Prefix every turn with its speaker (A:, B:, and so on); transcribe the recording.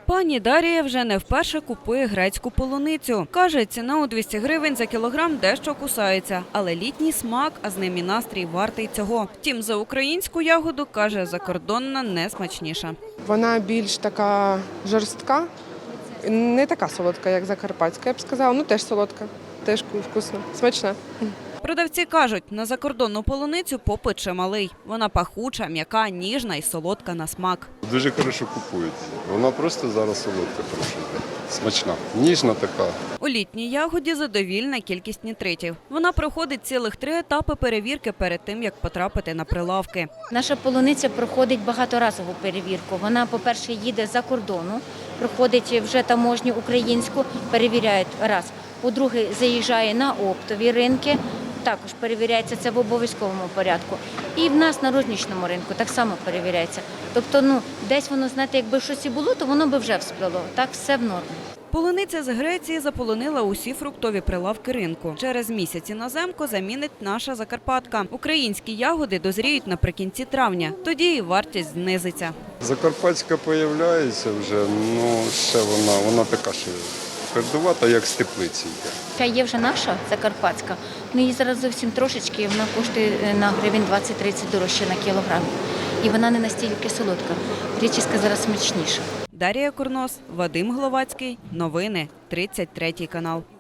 A: Пані Дарія вже не вперше купує грецьку полуницю. Каже, ціна у 200 гривень за кілограм дещо кусається, але літній смак, а з ним і настрій вартий цього. Втім, за українську ягоду, каже, закордонна не смачніша.
B: Вона більш така жорстка, не така солодка, як закарпатська, я б сказала, ну теж солодка, теж вкусна, смачна.
A: Продавці кажуть, на закордонну полуницю попит чималий. Вона пахуча, м'яка, ніжна і солодка на смак.
C: Дуже хорошо купують. Вона просто зараз солодка, хороша, смачна, ніжна така.
A: У літній ягоді задовільна кількість нітритів. Вона проходить цілих 3 етапи перевірки перед тим, як потрапити на прилавки.
D: Наша полуниця проходить багаторазову перевірку. Вона, по-перше, їде за кордону, проходить вже таможню українську, перевіряють раз. По-друге, заїжджає на оптові ринки, також перевіряється це в обов'язковому порядку. І в нас на рознічному ринку так само перевіряється. Тобто, десь воно, знаєте, якби щось і було, то воно би вже всплило. Так, все в нормі.
A: Полуниця з Греції заполонила усі фруктові прилавки ринку. Через місяць іноземку замінить наша Закарпатка. Українські ягоди дозріють наприкінці травня. Тоді і вартість знизиться.
C: Закарпатська з'являється вже, ще вона така ще твердувата, як з теплиці йде.
D: Є вже наша Закарпатська, її зараз зовсім трошечки, вона коштує на гривень 20-30 дорожче на кілограм. І вона не настільки солодка. Гречиська зараз смачніша.
A: Дарія Курнос, Вадим Гловацький. Новини. 33 канал.